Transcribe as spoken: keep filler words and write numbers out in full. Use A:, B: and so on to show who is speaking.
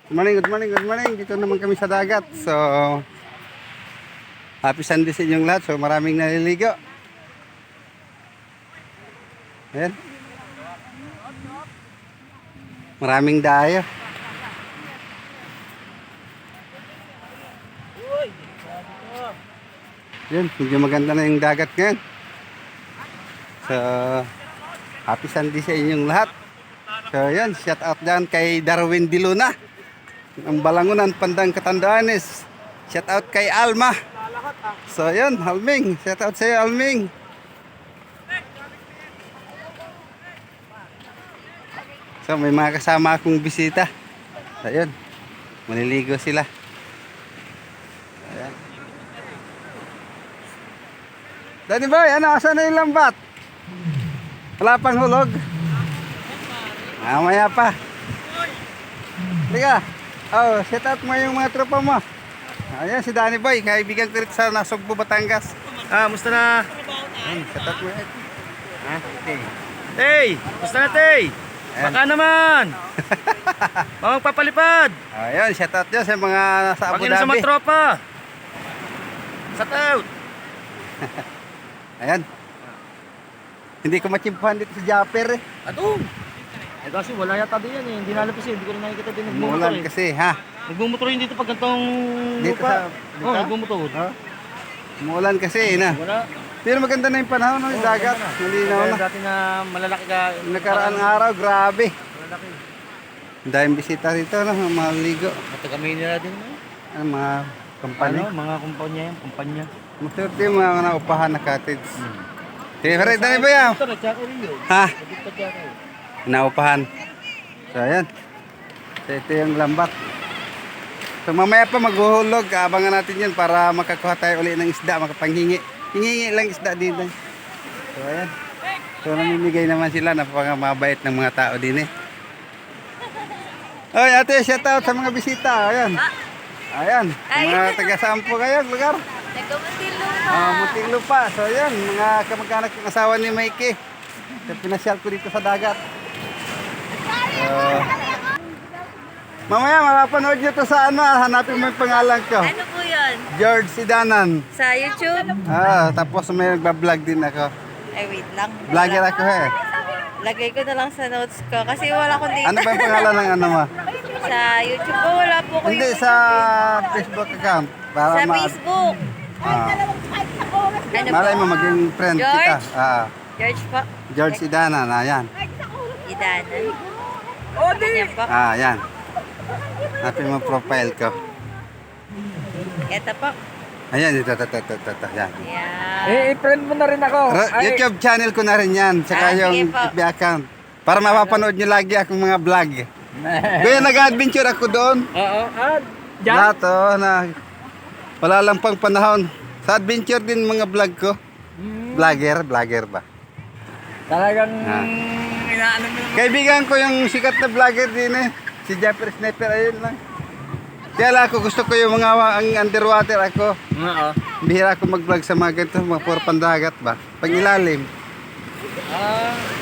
A: Good morning, good morning, good morning. Dito naman kami sa dagat. So, happy Sunday sa inyong lahat. So, maraming naliligo. Ayan. Maraming dayo. Ayan, medyo maganda na yung dagat ngayon. So, happy Sunday sa inyong lahat. So, ayan, shout out dyan kay Darwin Diluna. Ang Balangunan, Pandang Katandaanes. Shout out kay Alma. So yun, Alming. Shout out sa iyo, Alming. So may mga kasama akong bisita. So yun, maliligo sila. Ayan. Danny Boy, ano, asan na yung lambat? Wala pang hulog? Mamaya pa. Tiga. Oh, set out mo yung mga tropa mo. Ayan si Danny Boy, kaibigan ko rin sa Nasugbo, Batangas.
B: Ah, musta na?
A: Ayan, set out mo yan. Ha? Okay.
B: Tay! Musta na, Tay? Baka naman! Mga magpapalipad!
A: Ayan, shout out dyan sa mga nasa Abu
B: Pagin sa
A: Dhabi.
B: mga tropa! Shout out!
A: Ayan. Hindi ko machimpuhan dito sa Japper eh.
B: Ato! Eh kasi wala yata din yan eh. Hindi nalapis eh. Hindi ko rin nakikita din nagmumotor
A: Umulan
B: eh.
A: kasi, ha?
B: Nagmumotor yun dito pag gantong
A: Dito
B: lupa.
A: sa- dito?
B: Oo, oh, nagmumotor.
A: Ha? Umulan kasi, eh, na.
B: Wala.
A: Pero maganda na yung panahon, no? Yung dagat. Malinaw
B: Kaya
A: na.
B: dati na malalaki ka.
A: Nakaraan araw, grabe.
B: Malalaki.
A: Ang daming bisita rito, no? Mga ligo.
B: At kami nila din mo.
A: Ang mga company.
B: Ano? Mga kumpanya yan. Kumpanya.
A: Maswerte yung mga naupahan na cottage. Sige, Fred, Danny Boy, ah.
B: Ito, nagtsaka rin yun.
A: Ha?
B: Nagtsaka rin.
A: Naupahan. So, ayan. So, ito yung lambat. So, mamaya pa maghuhulog. Abangan natin yan para makakuha tayo ulit ng isda, makapanghingi. Hingi lang isda dito. So, ayan. So, namimigay naman sila. Napakabait ng mga tao din eh. Oy, ate, shout out sa mga bisita. Ayan. Ayan. Mga taga-sampo kayo, lugar.
C: Nagkamuntilupa.
A: Ah, Muntinlupa. So, ayan. Mga kamag-anak ng asawa ni Mikey. So, pinasyal ko dito sa dagat. So, mamaya mapapanood nyo to sa ano, ah, hanapin mo yung pangalan ko.
C: Ano po yun?
A: George Sidanan.
C: Sa YouTube?
A: Ah, tapos may nagbablog din ako.
C: Ay, wait lang.
A: Vlogger ako eh.
C: Lagay ko na lang sa notes ko. Kasi wala akong data.
A: Ano ba yung pangalan ng ano mo?
C: Sa YouTube po, wala po ko
A: Hindi,
C: yung...
A: sa Facebook account. Para
C: Sa
A: ma-
C: Facebook.
A: Ah,
C: Ano
A: malay
C: po?
A: mo maging friend kita.
C: George?
A: Ah,
C: George po.
A: George Sidanan, ayan.
C: Idanan. Ayan po.
A: Ah, ayan. Hanapin mo profile ko.
C: Ito po.
A: Ayan, ito, ito, ito, ito, ito, ayan.
C: Ayan.
B: Eh, i-friend mo na rin ako.
A: Ra- YouTube channel ko na rin yan, tsaka
C: Ah, sige
A: yung
C: po.
A: F B account. Para mapapanood nyo lagi akong mga vlog. Kaya nag-adventure ako doon.
B: Oo. Ah, dyan?
A: Lahat oh, na wala lang pang panahon. Sa adventure din mga vlog ko. Vlogger, vlogger ba?
B: Talagang
A: Ah.
B: inaano mo.
A: Kaibigan ko yung sikat na vlogger din eh. Si Japper Sniper, ayun lang. Kaya lang ako, gusto ko yung mga ang underwater ako.
B: Oo.
A: Bihira ako mag-vlog sa mga ganito, mga puro pandagat ba? Pag ilalim.
B: Ah,